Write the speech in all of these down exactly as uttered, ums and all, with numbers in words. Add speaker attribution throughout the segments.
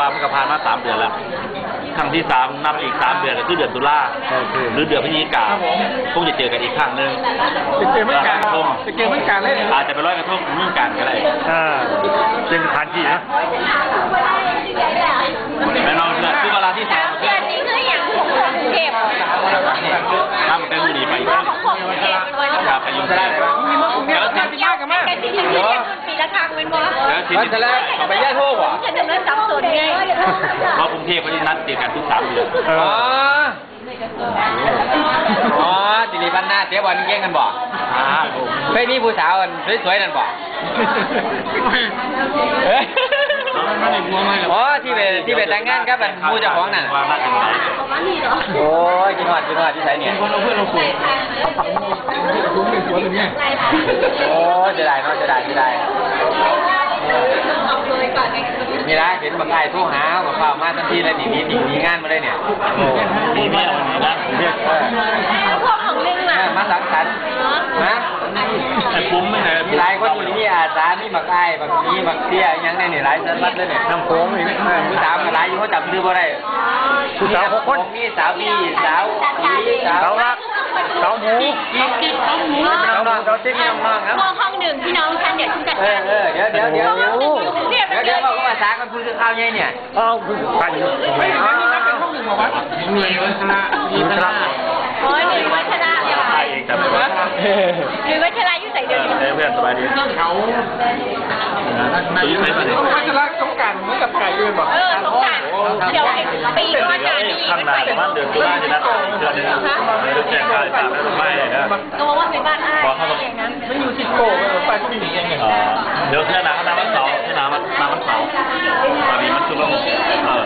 Speaker 1: ว่ามันก็ผ่านมาสามเดือนแล้วครั้งที่สามนับอีกสามเดือนก็คือเดือนตุลาหรือเดือนพฤศจิกาคงจะเจอกันอีกครั้งหนึ่ง
Speaker 2: จะเจอเมื่อการจะเจอเมื่อการเลย
Speaker 1: อาจจะไปร้อยกระทงเมื่อการก็ได้
Speaker 3: อ่าเป็นสถานที่นะ
Speaker 1: แน่นอนเพื่อนคือเวลาที่สาม
Speaker 4: เดือนนี้คืออย่างของกรุงเทพ
Speaker 1: ถ้ามันเป็นมือดีไป
Speaker 4: ของกรุงเทพเป็นวัน
Speaker 1: ครับไปยุ่งได้
Speaker 4: มีมากรุงเทพแล้วที่ยากกันมากแต่ที่ที่ที่ปีละครั้งเป็นว่า
Speaker 1: แล้วทีนี้
Speaker 2: แล้วเอาไปแย่โทษว่ะ
Speaker 4: จะดำเนินสับสนไง
Speaker 1: เพราะกรุงเทพเขาจะนัดเจอกันทุกสามเดือน
Speaker 2: อ๋ออ๋อจิริพันธ์หน้าเจ๊วันนี้แย่งกันบ่เฮ้ยนี่ผู้สาวสวยๆนั่นบ่อ๋อที่เป็นที่เป็นแต่งงานกับเป็นผู้เจ้าของนั่นโอ้ยกินหอดกินหอดที่ไหนเนี่ยคนเอาเพื่อนเราคุยโอ้จะได้เนาะจะได้จะได้นี่นะเห็นบางไอ้ทุกหากับข้าวมาทันทีเลยหนีหนีหนีหนีงานมาเลยเนี่ย
Speaker 1: มีเมียวันนี้นะ
Speaker 4: พวกของนึงล่ะ
Speaker 2: มาสังสรรค์นะ
Speaker 1: ไอ้ปุ้มไม่ไหน
Speaker 2: มีหลายคนอยู่นี่อาสามีบักไอ้บักนี้บักเตี้ยยังได้เนี่ยหลายสันวัดเลยเนี่ยน้ำโค้งนี่ผู้สาวหลายอยู่เขาจับซื้อบ่ได้
Speaker 3: ผู้สาวหกคน
Speaker 2: มีสาวพี่สาวพี่สาว
Speaker 3: รักสาวหมู
Speaker 4: กิ๊กกิ๊กสาวหมู
Speaker 2: สาวน้องสาวติ๊กน้องน้องครับ
Speaker 4: ห้องหนึ่งพี่น้องฉันเดี๋ยวฉันจัดการ
Speaker 2: เออเดี๋ยวเดี๋ยวเดี๋ยวเดี๋ยวเดี๋ยวเดี๋ยวบอกว่าสากันพูดถึงข้าวเนี่ยเนี่ย
Speaker 3: อ้าวใครอยู่
Speaker 2: ไม่เอาเป็นห้องหนึ่งบอกว่าเหนื่อยวัฒนะมีวัฒนะ
Speaker 4: โอ้ยหนึ่งวัฒนะ
Speaker 1: ใครเองจำไม่ได้
Speaker 4: หนึ่งวัฒนะอยู่ใส่เดือน
Speaker 1: เพื่อนสบายดี
Speaker 2: เขา
Speaker 1: อยู่ไหนมาเนี่ย
Speaker 2: วัฒนะสงการเหมือนกับไก่ด้วยบอก
Speaker 4: เออสงการเดี๋ยวปีว่าการนี้
Speaker 1: ข้างหน้าประมาณเดือนตุลาจะนัดเดือนนึงแจ้งข่าวตามแล้วไม่นะ
Speaker 4: ก็บอกว่าเป็นบ้านอ้ายอย่างนั้น
Speaker 2: ไม่อยู่ที่โก้ไปก็มีอย่างเงี้ย
Speaker 1: เดี๋ยวเที่ยหนาเขาน้ำมันเสาเที่ยหนามันน้ำมันเสาตอนนี้มันคือว่าเออ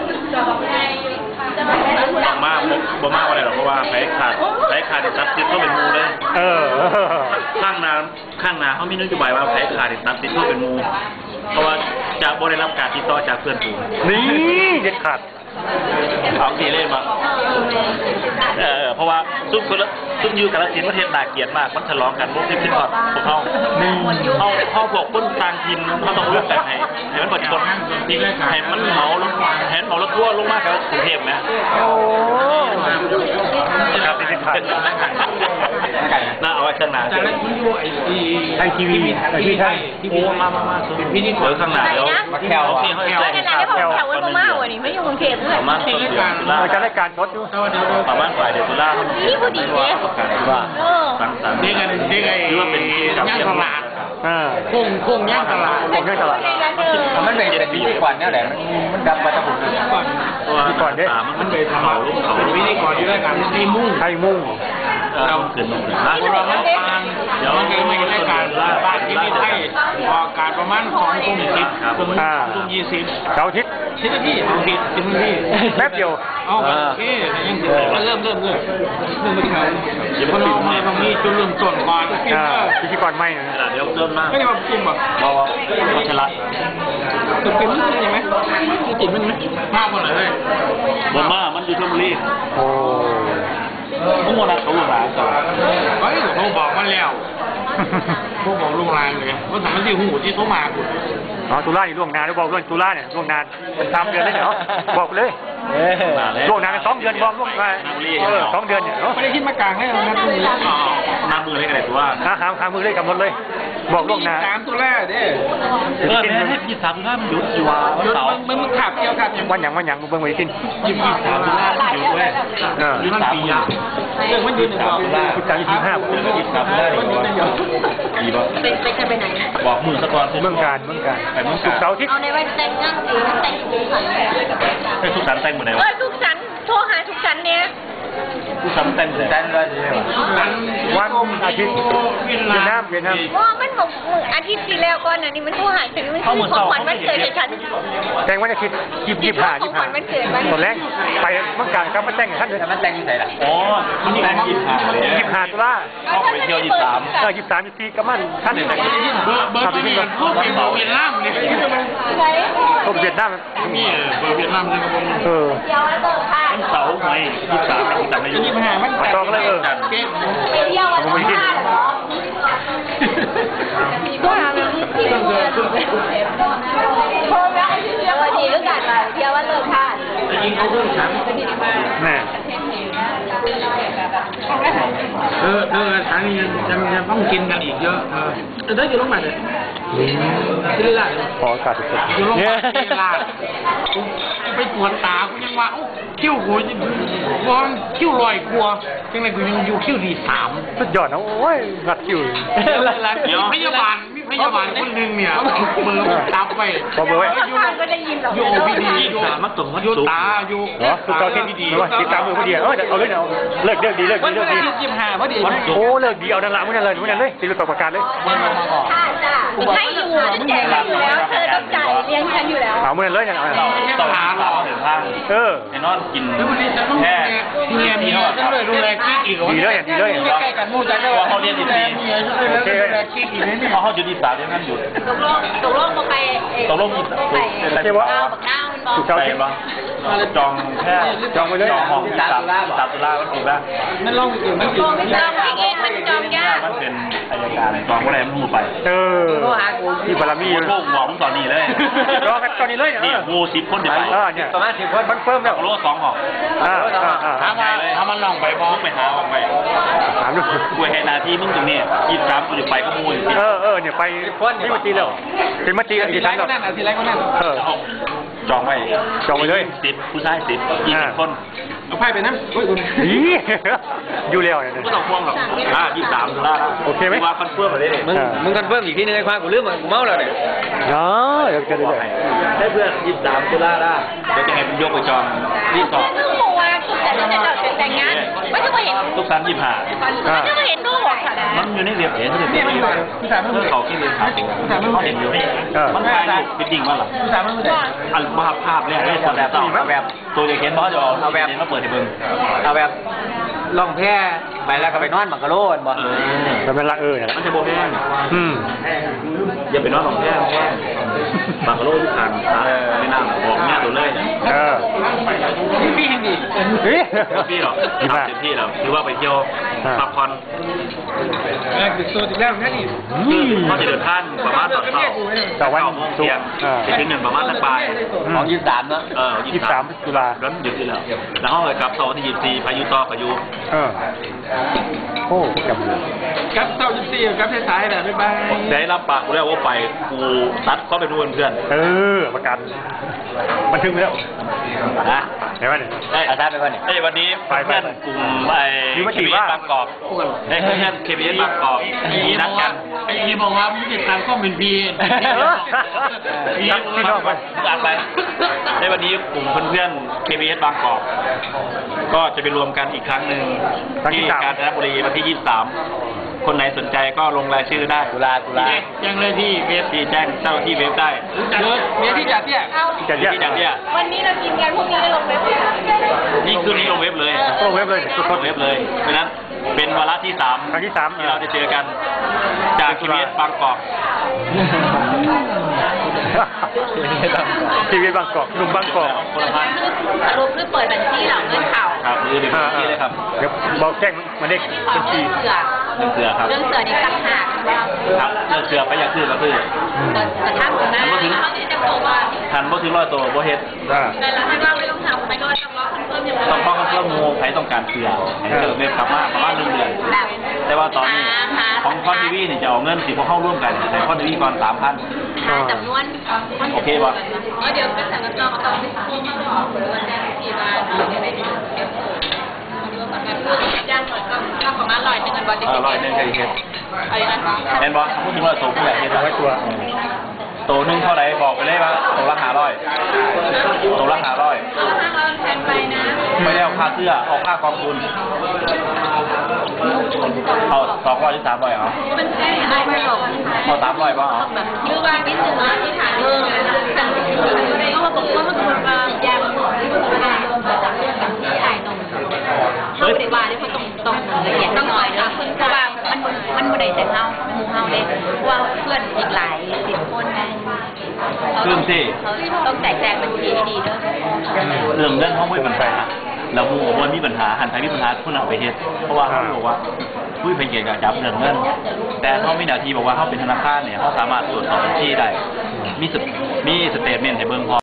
Speaker 1: มากบ่มากอะไรหรอกเพราะว่าไผ่ขาดไผ่ขาดตัดติดก็เป็นมูเลย
Speaker 3: เออ
Speaker 1: ข้างนาข้างนาเขามีนโยบายว่าไผ่ขาดตัดติดก็เป็นมูเพราะว่าจะบริรับการติดต่อจากเพื่อนฝูง
Speaker 3: นี่เด็ดขาด
Speaker 1: เอาทีเล่นมาเออเพราะว่าซุ่มคนละซุ่มยูกับละสินประเทศนาเกียรติมากมันฉลองกันพวกที่ขึ้นพอดพวกเขาเขาเขาพวกคนต่างทีมเขาต้องร่วมกันให้ให้มันประชดให้มันเหมาแล้วให้เหมาแล้วทั่วลงมากกับกรุงเทพไหม
Speaker 3: โอ้
Speaker 1: ครับเป็นขาดน่าเอาไว้ข้างหน้า
Speaker 3: ไทยทีวีไทยทีวีไทย
Speaker 1: โอ้มามามาเป็นพี่นี่ขวดข้างหน้าแล้ว
Speaker 2: แถว
Speaker 1: ที่เขา
Speaker 4: แถวแถวแถวแถววันมาวันนี้ไม่อยู่กรุงเทพเลย
Speaker 1: ประมาณต้นเดือนตุลา
Speaker 3: จะได้การชดอยู่
Speaker 1: ประมาณปลายเดือนตุลา
Speaker 4: นี่พอดีเลย
Speaker 1: ว่าสังสรรค์
Speaker 2: นี่กันนี่ไง
Speaker 1: หรือว่าเป็นย่าง
Speaker 2: ตลาดโค้งโค้งย่างตลาด
Speaker 3: โค้งย่างตลาด
Speaker 2: มันเป็นเป็นพิธีกรเนี่ยแหละมันมันดับมาจากผม
Speaker 1: ก่อนพิธีกรเด้มันเป็นเขา
Speaker 2: เป็นพิธีกรอยู่ด้วยกันไทยมุ่ง
Speaker 3: ไทยมุ่ง
Speaker 1: เราขึ้นนะ
Speaker 2: เราไม่ฟังเดี๋ยวมันจะไม่ได้การบ้านที่นี่ไทยออกการประมาณสองทุ่มสิบจนทุ่มยี่สิบ
Speaker 3: เสาร์อาทิตย์
Speaker 2: สิบนาทีสิบสิบนาที
Speaker 3: แป๊บเดียว
Speaker 2: เอาโอเคยังเริ่มเริ่มเริ่มเริ่มไม่ถึงเดี๋ยวพอเรามาตรงนี้จุดเริ่มต้นก่อน
Speaker 3: พิธีกรไม่นะ
Speaker 1: เดี๋ยวเริ่มมาก
Speaker 2: ไม่ได้มากินบ่
Speaker 1: เราเราชนะ
Speaker 2: ตึกเป็นมันใช่ไหมจิตมันไหมมากกว่าไหนเลย
Speaker 1: บนมามันอยู่ทุ่มรี
Speaker 3: โอ้
Speaker 1: พวกมันเขาหลานก่อน
Speaker 2: เฮ้ยเขาบอกมาแล้วพวกบอกลุงรานเลยว่าทำมันที่หูที่เขามาคุณ
Speaker 3: อ๋อตุลานี่ล่วงนานแล้วบอกล่วงตุลาเนี่ยล่วงนานเป็นสามเดือนเลยเนาะบอกเลยล่วงนานเป็นสองเดือนบอกล่วงมาเออสองเดือนเนี่ย
Speaker 2: ไม่ได้คิดมากลางให้เรานะตรงนี้
Speaker 1: น้ำมือเลยกันเลยตัว
Speaker 3: หาหาหามือเลยกำหนดเลยบอกล่วงนาน
Speaker 2: สามตัวแรกเด้
Speaker 1: เออให้ยี่สามล้านหยุดอยู่ว่า
Speaker 2: เสามันมันขับเกี่ยวกับ
Speaker 3: วันอย่างวันอย่างมึงเบิ่งไว้กิน
Speaker 1: ยี่สิบสามล้านหยุดเว้ยหยุดสามล้าน
Speaker 2: เรื่องมันยืนสามล้าน
Speaker 3: คุณจังยี่สิบห้า
Speaker 1: ยี่สิบสามล้านดีป่ะ
Speaker 4: เป็นเป็นจะไปไหน
Speaker 1: บอกมือสักก่อน
Speaker 3: เมืองการเมืองการ
Speaker 1: ไปเมืองการ
Speaker 3: เสาร์อาทิตย์
Speaker 4: เอาในวันแต่งงานหรือแต่งสุขสันต์
Speaker 1: ให้สุขสันต์แต่งหมดไหนวะ
Speaker 4: เออสุขสันต์โทรหาสุขสันต์เนี่ย
Speaker 1: สุขสันต์แต่งหมดไหน
Speaker 2: แต่งเลย
Speaker 3: วันอาทิตย์เวียดนามเวียดนาม
Speaker 4: ว่ามันบอกอาทิตย์ที่แล้วก่อนน่ะนี่มันโทรหาถึงมันคือของขวัญวันเกิดฉัน
Speaker 3: แต่งวันอาทิตย์ยี่สิบห้ายี่สิบห้าตอนแรกไปเมืองการก็มาแต่งท่านเลย
Speaker 2: มันแต่งที่ไหนล่ะ
Speaker 1: อ๋อมันแต่งยี่สิบห้า
Speaker 3: ยี่สิบห้าตุลา
Speaker 1: ออกไปเที่ยวยี่สิบสาม
Speaker 3: เออยี่สิบสามยี่สิบสี่ก็มันท่านเ
Speaker 2: บอร์เบอร์ตัวนี้มันพวกเป็นเบอร์เวียดนามเนี่ย
Speaker 3: พวกเวียดนาม
Speaker 2: นี่เบอร์เวียดนามใช่ไหม
Speaker 3: เออ
Speaker 1: วันเสาร์ไงยี่สิบสามยี่สิบสามไม่อยู่
Speaker 2: ยี่สิบห้ามัน
Speaker 3: ต่อกันเลยเออ
Speaker 4: ไปเที่ยววัน
Speaker 3: ผมไม่กิน
Speaker 4: ก็หาแบบนี้ที่โทรแล้วไอ้ที่เที่ยววันนี้ก็กันเที่ยววันเลย
Speaker 2: ริงเขาเพิ่งฉัน
Speaker 3: แน่
Speaker 2: เออเออฉันยังยังยังต้องกินกันอีกเยอะเออแต่ได้อยู่โรงพยาบาลเลยที่ได้
Speaker 3: ขอโอกาสทุกคน
Speaker 2: อยู่โรงพยา
Speaker 3: เนี่
Speaker 2: บาย ลที่ลาดไปตรวจตากูยังว่าคิ้วกูวอนคิ้วลอยกลัวจังเลยกูยังอยู่คิ้วดีสาม
Speaker 3: สุดยอดนะโอ้ยงัดคิว
Speaker 2: พยาบาลมีพยาบาลคนหนึ่งเนี่ยมือจับไป
Speaker 3: พอเบอร์ไว้
Speaker 4: ทางก็ได้ยินหรอก
Speaker 2: อยู่โอพีดีอยู่มักตรงมักอยู่ตาอยู่
Speaker 3: เหรอคือเราเทนดีว่าติดตามมือพอดีเออเอาเลยเอาเลิกเลิกดีเลิกดีเลิกดี
Speaker 2: ยี่สิบห้าพอดี
Speaker 3: โอ้เลิกดีเอาดังละมึงนั่นเลยมึงนั่นเลยติดประกาศเลย
Speaker 4: ค่ะจ้ะให้อยู่จะแจกอยู่แล้วเธอต้องจ่ายเลี้ยงฉันอยู่แล้ว
Speaker 3: เอามึงนั่นเลยเนี่ย
Speaker 1: ต่อหาเราถึงทาง
Speaker 3: เออ
Speaker 1: ไอ้นอนกิน
Speaker 2: แล้ววันนี้จะต้อง
Speaker 1: แค่
Speaker 2: เมียมีฉันเลยดูแลกิ๊กอีก
Speaker 3: ดีเลยดีเลย
Speaker 2: ใกล้กันมูจังเลยว่าเขาเรียนดีเมียฉันเลยดูแลกิ๊กอีกนี่
Speaker 1: เพราะเขาอยู่ที่สามเดือนนั้นหยุด
Speaker 4: ตกลงตกลงมาไป
Speaker 1: ตกลงอีก
Speaker 4: ไป
Speaker 1: แต่ว่า
Speaker 4: เอาบักน้ามันบอก
Speaker 3: ถูกเจ้า
Speaker 1: ไป
Speaker 3: เทป
Speaker 1: บ้างจองแค่
Speaker 3: จองไว้เลย
Speaker 1: จองห้องที่สามสามตุลาวันที่บ้าง
Speaker 2: นั่นลองอีกมัน
Speaker 4: จองไม่จองเองมันจองยาก
Speaker 1: มันเป็นอายการจองว่าอะไรมันหูไป
Speaker 3: เออที่บารมี
Speaker 1: โลกหวังตอนนี้เลย
Speaker 3: รอกันตอนนี้เลย
Speaker 1: นี่
Speaker 3: เออ
Speaker 1: งูสิบคนเดี๋ยวไป
Speaker 3: เออเนี่ยประมาณสิบคนคอนเฟิร์มแล้ว
Speaker 1: โลกสองห้อง
Speaker 3: อ่าอ่าอ่า
Speaker 2: ถามมาถามมันลองไปบอ
Speaker 1: มึงไปหาออกไป
Speaker 3: ถามดู
Speaker 1: กูให้นาทีมึงตรงนี้ยี่สิบสามกูจะไปก็มูล
Speaker 3: เออเออเนี่ยไปที่มาจีแล้วเป็นมาจีกัน
Speaker 2: ที
Speaker 3: กี่
Speaker 2: ไร
Speaker 3: ครั้ง
Speaker 2: ก็
Speaker 3: แล้ว
Speaker 2: นั่นทีไรก็นั่น
Speaker 3: เออ
Speaker 1: จองไว้
Speaker 3: จองไว้เลย
Speaker 1: สิบผู้ชายสิบยี่สิบคน
Speaker 2: เอาไพ่ไปนะโอ้ยคุณ
Speaker 3: ดีอยู่แล้วเนี่ย
Speaker 1: ก็ต้องพ่วงหรอกอ่ายี่สิบสามตุลา
Speaker 3: โอเคไหม
Speaker 1: ว่าคอนเฟิร์มมาเลย
Speaker 5: มึงมึงคอนเฟิร์มอีกทีนึงไอ้ควายกูลืมมันกูเมาแล้วเนี่ย
Speaker 3: เนาะเดี๋ยวจะได้เลย
Speaker 1: ได้เพื่อนยี่สิบสามตุลาได้เดี๋ยวจะให้ผมยกไปจองรีสอร์ท
Speaker 4: เพิ่งบอกว่าสุดแต่เราจะแต่งงานไม่ต้องมาเห็น
Speaker 1: ทุกสามยี่สิบห้า
Speaker 4: ไม่ต้องมาเห็นลูกหรอกค่ะ
Speaker 1: มันอยู่ในเรียบเห็นเขาเรียบเรียบอยู่เพื่อเขาที่เรียนครับเขาเห็นอยู่มันถ่ายรูปเป็นดิ่งว่าหรอ
Speaker 2: สามมันไม่ได้
Speaker 1: อันภาพภาพแรกเลยคนแบบเอาแบบตัวเด็กเห็นเพราะจะเอาเอาแบบมาเปิดให้เบิ่ง
Speaker 5: เอาแบบล่องแพไปแล้วก็ไปนอนบังกะโลนบ่
Speaker 1: เออ
Speaker 3: แล้วเป็นละเออเนี่ย
Speaker 1: มันจะโบแห้ง
Speaker 3: อืม
Speaker 1: อย่าไปนอนหลงแห้งแห้งบางกะโลทุกทางไม่น่าบอกแม่ตัวเลยเนี่ย
Speaker 3: เออ
Speaker 2: พี่แห่งดี
Speaker 3: เฮ้ย
Speaker 1: พี่หรอ
Speaker 3: ดี
Speaker 1: ทำ
Speaker 3: มาก
Speaker 1: เต็มที่แล้วถือว่าไปเที่ยวพักผ่อน
Speaker 2: แรกติดตัวติดแล้วนั่นนี่
Speaker 1: เขาจะเดินทางประมาณตอนเช้า
Speaker 3: แต่วัน
Speaker 1: เก้าโมง
Speaker 3: ศุก
Speaker 1: เที่ยง
Speaker 3: ร์อ่า
Speaker 1: ไปถึงหนึ่งประมาณสักบ่าย
Speaker 5: ของยี่สิบสามเนาะ
Speaker 1: เออ
Speaker 3: ยี่สิบสามตุลา
Speaker 1: ร้อนหยุดที่แล้วแล้วห้องเลยกลับเสาร์ที่ยี่สิบสี่พายุต่อพายุ
Speaker 3: เออโอ้จำเลย
Speaker 2: กับเต้าจุดสี่กับท้ายๆแหละบ๊ายบาย
Speaker 1: ได้รับปากกูแล้วว่าไปกูตัดก็เป็นเพื่อนเพื่อน
Speaker 3: เออประกันบันทึกไว้แล้ว
Speaker 1: นะ
Speaker 3: เห็นไหมเนี่ย
Speaker 1: เอ้ย
Speaker 5: อาจารย์ไปก่อนเนี่ย
Speaker 1: เอ้ยวันนี้
Speaker 3: ไปไป
Speaker 1: เพื่อนกลุ่มไอ้
Speaker 3: มีมา
Speaker 1: เค
Speaker 3: กี่
Speaker 1: บี
Speaker 3: ว่า
Speaker 1: บางกอกเอ้ยเพื่อนเคบีบางกอกมีนัดกัน
Speaker 2: ไอ้อีบอกว่ามึงจะการข้อมูลพี
Speaker 1: พี่พี่น้องไปอ่านไปในวันนี้กลุ่มเพื่อนๆ เค บี เอส บางกอกก็จะไปรวมกันอีกครั้งหนึ่ง
Speaker 3: ครั้งที่
Speaker 1: ที่
Speaker 3: สาม
Speaker 1: กาญจนบุรีวันที่ยี่สิบสามคนไหนสนใจก็ลงรายชื่อได้
Speaker 5: ตุลาตุลา
Speaker 2: ยังเลยที่เวฟ
Speaker 1: ที่แจ้งเจ้าหน้าที่เว็บได้
Speaker 2: เยอะเวฟที่จัดเนี่ย
Speaker 4: เอา
Speaker 3: จะแยก
Speaker 1: ที่จัดเนี่ย
Speaker 4: วันนี้เรากินกันพรุ่งนี้เราลงเว็บ
Speaker 1: นี่คืนนี้ลงเว็บเลย
Speaker 3: ลงเว็บเลย
Speaker 1: ลงเว็บเลย เพราะฉะนั้นเป็นวาระที่สาม
Speaker 3: ครั้งที่สาม
Speaker 1: ที่เราจะเจอกันจาก เค บี เอส บางกอก
Speaker 3: ชีวิตบางกอกหนุ่มบางกอก
Speaker 1: คนละพัน
Speaker 4: สรุปคือเปิดบัญชีเหล่าเงินเขา
Speaker 1: ครับคือเดี๋ยวพี่เลยครับ
Speaker 3: เดี๋ยวบอกแจ้งมาเด็ก
Speaker 4: ขอ
Speaker 3: บัญชี
Speaker 4: เรื่องเสือ
Speaker 1: เรื่องเสือครับ
Speaker 4: เรื่องเสือนี่ต่างหาก
Speaker 1: ครับเรื่องเสือไปอยากคือก็คือ
Speaker 4: แต่ถ้าผมนะเขาที่จะบอกว่า
Speaker 1: ทันบ่ถึงร้อยตัวบ่เฮ็ด
Speaker 3: อ่า
Speaker 4: แต่เราไม่ว่าไม่ต้องทำไม่ก็ต้องรอคอนเฟิร์มอย่างไร
Speaker 1: ต้องป้องกันเพื่อมูใครต้องการเสือให้เจอเว็บกลับมาประมาณหนึ่งเดือน
Speaker 4: แบบ
Speaker 1: แต่ว่าตอนนี้ของคอนทีวีนี่จะเอาเงินสิพวกเข้าร่วมกันแต่คอนทีวีก่อนสามพัน
Speaker 4: หาจำนวน
Speaker 1: โอเคป่ะ
Speaker 4: เดี๋ยวเป็นสังกัดเราต้องพูดมาบอกว่าแจ้งที่บ้านเดี๋ยวไปเดี๋ยวเดี๋ยวย่างหมดก็ประมาณร้อยหนึ่งกันบอล
Speaker 1: เออร้อยหนึ่งใครเฮ็ด
Speaker 4: อะไรนะ
Speaker 1: เห็นบ่พูดถึงร้อยตัวผู้ใหญ่เฮ็ด
Speaker 3: ร้อยตัว
Speaker 1: ตัวหนึ่งเท่าไหร่บอกไปเลยว่าตัวละห้าร้อยตัวละห้าร้อย
Speaker 4: เอาห้าร้อยแทนไปนะ
Speaker 1: ไม่ได้เอาค่าเสื้อเอาค่ากองทุนเอาสองร้อยหรือสามร้อยเอา
Speaker 4: มันแค่ได้ไม่หรอก
Speaker 1: เอาสามร้อยป่ะเอา
Speaker 4: แบบยื้อว่านิดนึงนะที่ฐานเออแต่ก็ว่าบอกว่าถ้าคุณมาแยกที่คุณไม่ได้มาจากเรื่องกับที่ไอ้ตรงเขาไม่ได้ว่าเนี่ยเขาต้องต้องละเอียดต้องหน่อยนะเพราะว่ามันมันไม่ได้แต่เฮาหมู่เฮาเด้ว่าเพื่อนอีกหลายสิบคนนะเขาต้องแจกแจงบัญชีให้ดีด้วย
Speaker 1: เรื่องเงินเขาไม่มีปัญหาแล้วมูบอกว่ามีปัญหาหันไปมีปัญหาผู้นำไปเฮ็ดเพราะว่าเขาบอกว่าผู้เป็นเกียรติกับจับเรื่องเงินแต่เขามีหน้าที่บอกว่าเขาเป็นธนาคารเนี่ยเขาสามารถตรวจสอบบัญชีได้มีสมีสเตทเมนต์ให้เบิ่งพอ